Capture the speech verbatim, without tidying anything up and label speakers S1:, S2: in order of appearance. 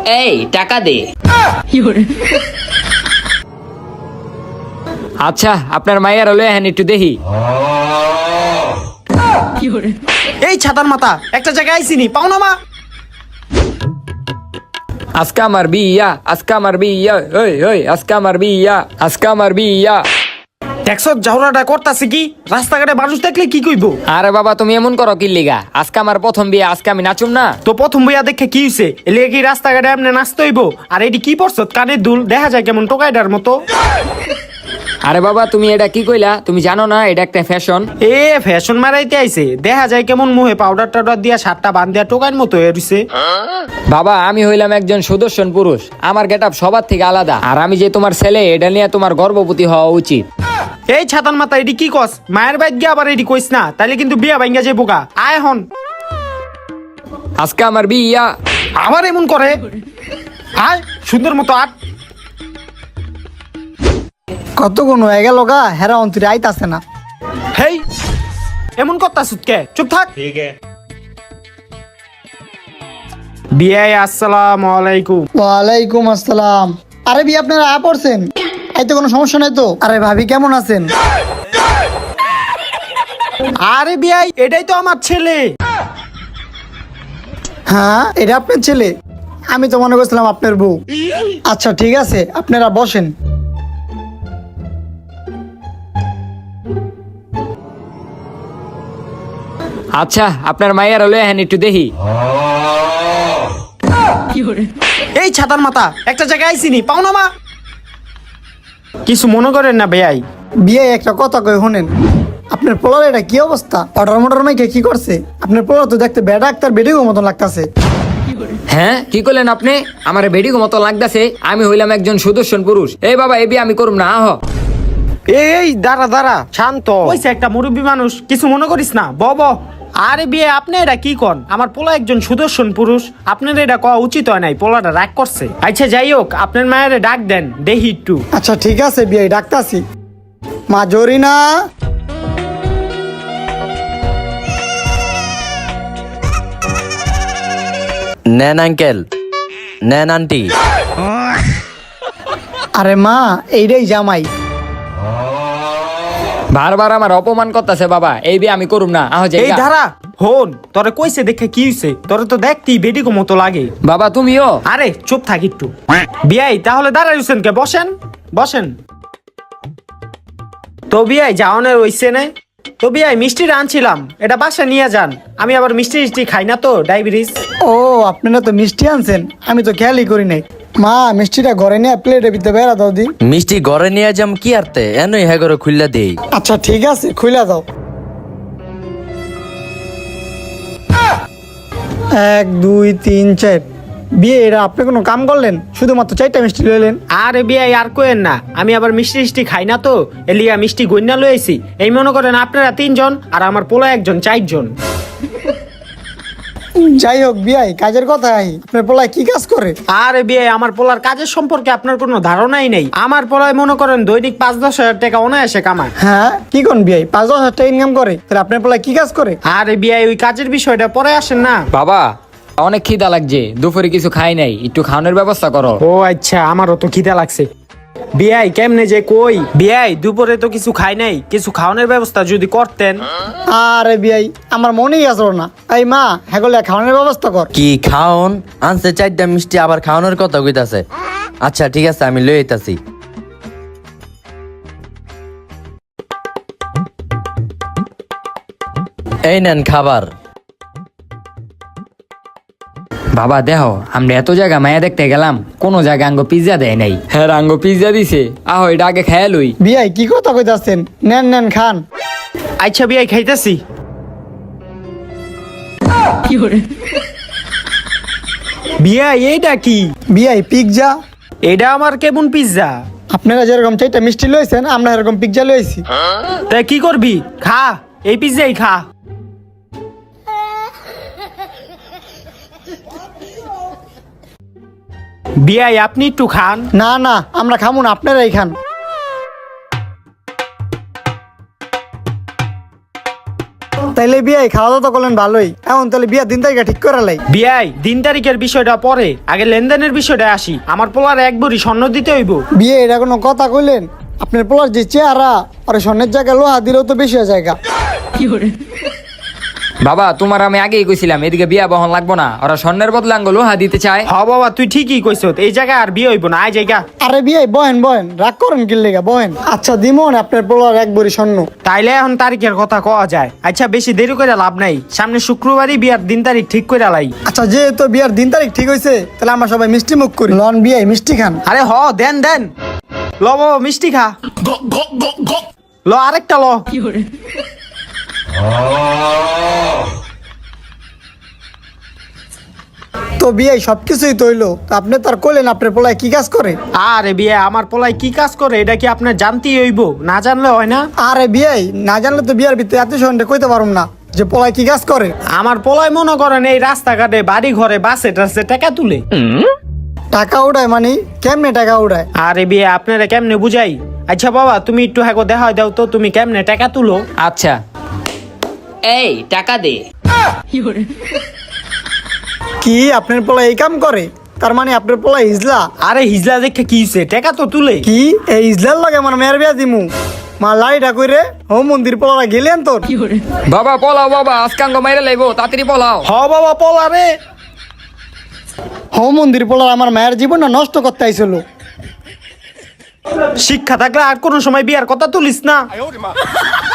S1: এই টাকা দে। আচ্ছা আপনার মায়ের লয়ে হ্যাঁ একটু দেখি।
S2: এই ছাতার মাথা একটা জায়গায় আইসিনি পাও না মা।
S1: আজকে আমার বিয়া, আজকে আমার বিয়া, ওই ওই আজকে আমার বিয়া, আজকে আমার বিয়া।
S2: দেখছ ঝগড়াটা করতাছে কি, রাস্তাঘাটে মানুষ দেখলে কি কইবো?
S1: আরে বাবা তুমি এমন করো কি লিগা? আজকে আমার প্রথম বিয়ে, আজকে আমি নাচুম না?
S2: তো প্রথম বইয়া দেখে কি হইছে? এলে কি রাস্তাঘাটে এমনি নাচতে হইব? আর এটি কি পড়ছ কানের দুল, দেখা যায় কেমন টোকাইডার মতো।
S1: আরে বাবা তুমি এটা কি কইলা? তুমি জানো না এটা একটা ফ্যাশন?
S2: এ ফ্যাশন মারাইতে আইছে, দেখা যায় কেমন মুহে পাউডার টাউডার দিয়া সাতটা বান দিয়া টোকাইর মতো হয়ে রইছে।
S1: বাবা আমি হইলাম একজন সুদর্শন পুরুষ, আমার গেটআপ সবার থেকে আলাদা। আর আমি যে তোমার ছেলে এটা নিয়ে তোমার গর্ববতী হওয়া উচিত।
S2: এই ছাতার মাথা এটি কি কস? মায়ের বাইক গিয়ে আবার এটি কইস না, তাইলে কিন্তু বিয়া ভাঙ্গা যাইব গা। আয় হন।
S1: আজকে আমার বিয়া।
S2: আবার এমন করে? আয় সুন্দর মতো আট।
S3: কতক্ষণ হয়ে গেল গা, হেরা অন্তরে আইতাছে না।
S2: হেই এমন করতাছুত কে? চুপ থাক। বিয়াই আসসালামু আলাইকুম।
S3: ওয়ালাইকুম আসসালাম। আরে বি আপনারা আয়া পড়ছেন, এই তো কোনো সমস্যা নাই তো? আরে ভাবি কেমন আছেন?
S2: আরে বিয়াই এটাই তো আমার ছেলে।
S3: হ্যাঁ এটা আপনার ছেলে? আমি তো মনে করছিলাম আপনার বউ। আচ্ছা ঠিক আছে আপনারা বসেন।
S1: আচ্ছা আপনার মায়ের লয়ে হ্যাঁ একটু দেখি।
S2: এই ছাতার মাথা একটা জায়গায় আইসিনি পাও না মা। কিছু মনে করেন না বেয়াই।
S3: বিয়ে একটা কথা কই শুনেন, আপনার পোলার এটা কি অবস্থা? অর্ডার মোটর মাইকে কি করছে? আপনার পোলার তো দেখতে বেডা ডাক্তার বেডিগো মতন লাগতাছে।
S1: হ্যাঁ কি করলেন আপনি? আমার বেডিগো মতো লাগতাছে? আমি হইলাম একজন সুদর্শন পুরুষ। এই বাবা এই বিয়ে আমি করুম না। আহ
S2: এই দাঁড়া দাঁড়া শান্ত হইছে, একটা মুরব্বী মানুষ, কিছু মনে করিস না, ব ব। আরে বিয়ে আপনি এটা কি কন? আমার পোলা একজন সুদর্শন পুরুষ, আপনার এটা কওয়া উচিত হয় নাই। পোলাটা রাগ করছে। আচ্ছা যাই হোক, আপনার মায়ের ডাক দেন দেখি একটু।
S3: আচ্ছা ঠিক আছে বিয়ে ডাক্তারছি। মা জরিনা,
S4: নেন আঙ্কেল, নেন আন্টি।
S3: আরে মা এইটাই জামাই।
S1: বারবার আমার অপমান করতেছে বাবা, এই বিয়ে আমি করুম না। আহ
S2: এই
S1: যাই
S2: ধারা হন, তোরে কইছে দেখে কি হইছে? তোরে তো দেখতেই বেডিকো মতো লাগে।
S1: বাবা তুমিও।
S2: আরে চুপ থাক একটু। বিয়াই তাহলে দাঁড়াই রইছেন কে? বসেন বসেন। তো বিয়াই যাওনের হইছে না? তো বিয়াই মিষ্টি আনছিলাম, এটা বাসা নিয়ে যান। আমি আবার মিষ্টি মিষ্টি খাই না তো, ডায়াবেটিস।
S3: ও আপনারা তো মিষ্টি আনছেন, আমি তো খেয়ালই করি নাই। মা মিষ্টিটা ঘরে নিয়ে প্লেটে ভিতরে বেড়া দাও দি।
S4: মিষ্টি ঘরে নিয়ে যাম কি আরতে, এনই হ্যাঁ করে খুললা দেই।
S3: আচ্ছা ঠিক আছে খুইলা দাও। এক দুই তিন চার। বিয়ে এটা আপনি কোনো কাম করলেন? শুধুমাত্র চারটা মিষ্টি লইলেন।
S2: আরে বিয়াই আর কোয়েন না, আমি আবার মিষ্টি মিষ্টি খাই না তো, এলিয়া মিষ্টি গন্যা লয়েছি। এই মনে করেন আপনারা তিনজন আর আমার পোলা একজন, চারজন।
S3: যাই হোক বিয়াই কাজের কথা আই, আপনার পোলায় কি কাজ করে?
S2: আরে বিয়ে আমার পোলার কাজের সম্পর্কে আপনার কোনো ধারণাই নেই। আমার পোলায় মনে করেন দৈনিক পাঁচ দশ হাজার টাকা অনায়াসে কামায়।
S3: হ্যাঁ কি কোন বিয়াই পাঁচ দশ হাজার টাকা ইনকাম করে? তাহলে আপনার পোলায় কি কাজ করে?
S2: আরে বিয়ে ওই কাজের বিষয়টা পরে আসেন না।
S1: বাবা অনেক খিদা লাগছে, দুপুরে কিছু খাই নাই, একটু খাওয়ানোর ব্যবস্থা করো।
S2: ও আচ্ছা, আমারও তো খিদা লাগছে। বিয়াই কেমনে যে কই? বিয়াই দুপুরে তো কিছু খাই নাই, কিছু খাওয়ানোর ব্যবস্থা যদি করতেন।
S3: আরে বিয়াই আমার মনেই আসলো না। এই মা হ্যাগলে খাওয়ানোর ব্যবস্থা কর।
S4: কি খাওন আনছে চারটা মিষ্টি, আবার খাওয়ানোর কথা কইতাছে। আচ্ছা ঠিক আছে আমি লই আইতাছি। এই নেন খাবার।
S1: বাবা দেখো আমরা এত জায়গা মায়া দেখতে গেলাম, কোনো জায়গা আঙ্গ পিজ্জা দেয় নাই। হ্যাঁ আঙ্গ পিজ্জা দিছে, আহ এটা আগে খেয়ে লই।
S3: বিয়াই কি কথা কইতাছেন? নেন নেন খান।
S2: আচ্ছা বিয়াই খাইতেছি। বিয়াই এইটা কি?
S3: বিয়াই পিৎজা।
S2: এটা আমার কেমন পিজ্জা?
S3: আপনারা যেরকম চারটা মিষ্টি লইছেন আমরা এরকম পিৎজা লইছি।
S2: তাই কি করবি? খা, এই পিজ্জাই খা। বিয়াই আপনি একটু খান।
S3: না না আমরা খামু না, আপনারাই খান। তাইলে বিয়ে খাওয়া দাওয়া তো করলেন ভালোই, এখন তাহলে বিয়ে দিন তারিখটা ঠিক করে লাই।
S2: বিয়াই দিন তারিখের বিষয়টা পরে, আগে লেনদেনের বিষয়টা আসি। আমার পোলার এক ভরি স্বর্ণ দিতে হইব।
S3: বিয়ে এটা কোনো কথা কইলেন? আপনার পোলার যে চেহারা আর স্বর্ণের জায়গায় লোহা দিলেও তো বেশি জায়গা।
S1: বাবা তোমার আমি আগেই কইছিলাম এদিকে বিয়া বহন লাগবো না, ওরা স্বর্ণের বদলে আঙ্গ লোহা দিতে চায়।
S2: হ বাবা তুই ঠিকই কইছ, এই জায়গায় আর বিয়ে হইব না, আয় জায়গা।
S3: আরে বিয়ে বহেন বহেন, রাগ করেন কি লেগা, বহেন। আচ্ছা দিমন আপনার পোলার এক ভরি স্বর্ণ।
S2: তাইলে এখন তারিখের কথা কওয়া যায়। আচ্ছা বেশি দেরি করে লাভ নাই, সামনে শুক্রবারই বিয়ার দিন তারিখ ঠিক করে লাই।
S3: আচ্ছা যেহেতু বিয়ার দিন তারিখ ঠিক হয়েছে, তাহলে আমরা সবাই মিষ্টি মুখ করি। লন বিয়ে মিষ্টি খান।
S2: আরে হ দেন দেন, ল বাবা মিষ্টি খা, ল আরেকটা ল।
S3: তো বিয়ে সবকিছুই তো হইলো, তো আপনি তার কইলেন আপনার পোলায় কি কাজ করে?
S2: আরে বিয়ে আমার পোলায় কি কাজ করে এটা কি আপনার জানতেই হইব, না জানলে হয় না।
S3: আরে বিয়ে না জানলে তো বিয়ার ভিতরে এত সন্ধ্যে কইতে পারুম না যে পোলায় কি কাজ করে।
S2: আমার পোলায় মনে করেন এই রাস্তাঘাটে বাড়ি ঘরে বাসে টাসে টাকা তুলে।
S3: টাকা উড়ায় মানে কেমনে টাকা উড়ায়?
S2: আরে বিয়ে আপনারা কেমনে বুঝাই? আচ্ছা বাবা তুমি একটু হ্যাঁ দেখা দাও তো, তুমি কেমনে টাকা তুলো?
S1: আচ্ছা এই টাকা দে।
S3: কি আপনার পোলা এই কাম করে? তার মানে আপনার পোলা ইজলা?
S2: আরে হিজলা দেখে কি হইছে, টাকা তো তুলে।
S3: কি এই ইজলার লাগে আমার মেয়ের বিয়া দিমু? মা লাইটা কইরে ও মন্দির পোলা গেলেন তোর।
S1: বাবা পলাও বাবা, আজকে আঙ্গ মাইরে লাইবো, তাড়াতাড়ি পলাও।
S2: হ বাবা পলা রে।
S3: হো মন্দির পোলা আমার মায়ের জীবনটা নষ্ট করতে আইছিল।
S2: শিক্ষা থাকলে আর কোনো সময় বিয়ার কথা তুলিস না।